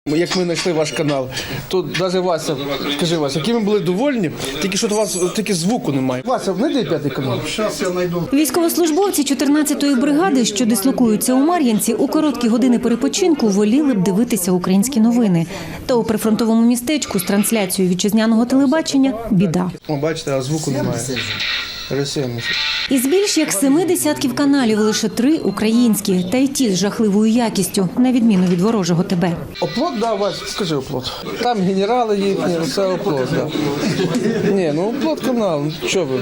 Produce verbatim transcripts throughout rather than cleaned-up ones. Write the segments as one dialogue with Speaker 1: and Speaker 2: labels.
Speaker 1: Як ми знайшли ваш канал, то навіть Вася, скажи, Вася, які ми були довольні, тільки що у вас тільки звуку немає. Вася, знайди п'ятий канал.
Speaker 2: Зараз я знайду.
Speaker 3: Військовослужбовці чотирнадцятої бригади, що дислокуються у Мар'їнці, у короткі години перепочинку воліли б дивитися українські новини. Та у прифронтовому містечку з трансляцією вітчизняного телебачення – біда.
Speaker 1: О, бачите, а звуку немає. Росія.
Speaker 3: Із більш як семи десятків каналів лише три українські, та й ті з жахливою якістю, на відміну від ворожого ТБ.
Speaker 1: Оплот, да, Вася, скажи оплот. Там генерали їхні, це оплот, да. Ні, ну оплот канал, що ви?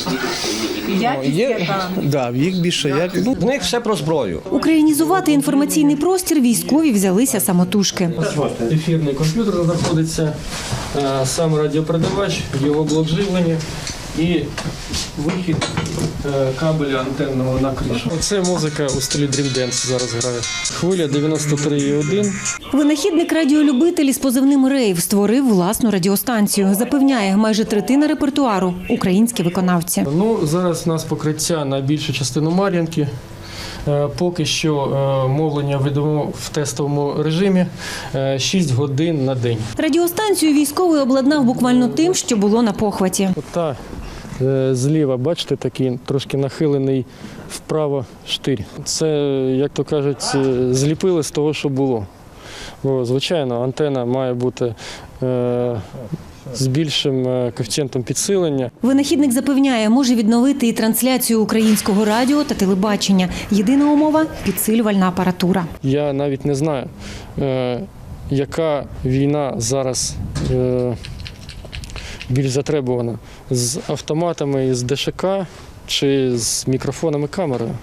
Speaker 4: Якість
Speaker 1: Є,
Speaker 4: яка?
Speaker 1: да, їх більше. Як, ну,
Speaker 5: В них все про зброю.
Speaker 3: Українізувати інформаційний простір військові взялися самотужки.
Speaker 6: Ефірний комп'ютер знаходиться, е, сам радіопередавач, його блок живлення і вихід е, кабеля антенного на кришу. Це музика у стилі Dream Dance зараз грає. Хвиля дев'яносто три і один.
Speaker 3: Винахідник радіолюбитель із позивним «Рейв» створив власну радіостанцію. Запевняє, майже третина репертуару – українські виконавці.
Speaker 6: Ну, зараз у нас покриття на більшу частину Мар'їнки. Е, Поки що е, мовлення ведемо в тестовому режимі е, шість годин на день.
Speaker 3: Радіостанцію військовий обладнав буквально тим, що було на похваті.
Speaker 6: Ота е, зліва, бачите, такий трошки нахилений вправо штир. Це, як то кажуть, е, зліпили з того, що було. Бо, звичайно, антена має бути е, з більшим е, коефіцієнтом підсилення.
Speaker 3: Винахідник запевняє, може відновити і трансляцію українського радіо та телебачення. Єдина умова – підсилювальна апаратура.
Speaker 6: Я навіть не знаю, е, яка війна зараз е, більш затребувана – з автоматами з ДШК чи з мікрофонами камерою.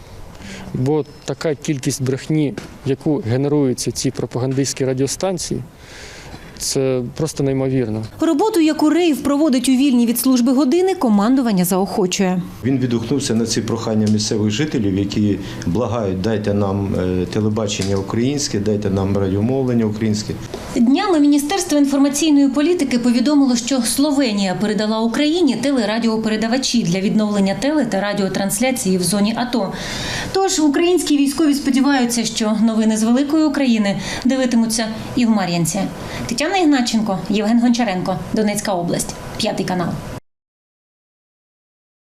Speaker 6: Бо така кількість брехні, яку генеруються ці пропагандистські радіостанції, це просто неймовірно.
Speaker 3: Роботу, яку «Рейв» проводить у вільні від служби години, командування заохочує.
Speaker 7: Він відгукнувся на ці прохання місцевих жителів, які благають: дайте нам телебачення українське, дайте нам радіомовлення українське.
Speaker 3: Днями Міністерство інформаційної політики повідомило, що Словенія передала Україні телерадіопередавачі для відновлення теле- та радіотрансляції в зоні АТО. Тож українські військові сподіваються, що новини з великої України дивитимуться і в Мар'їнці. Тетяна Ігнатченко, Євген Гончаренко, Донецька область, п'ятий канал.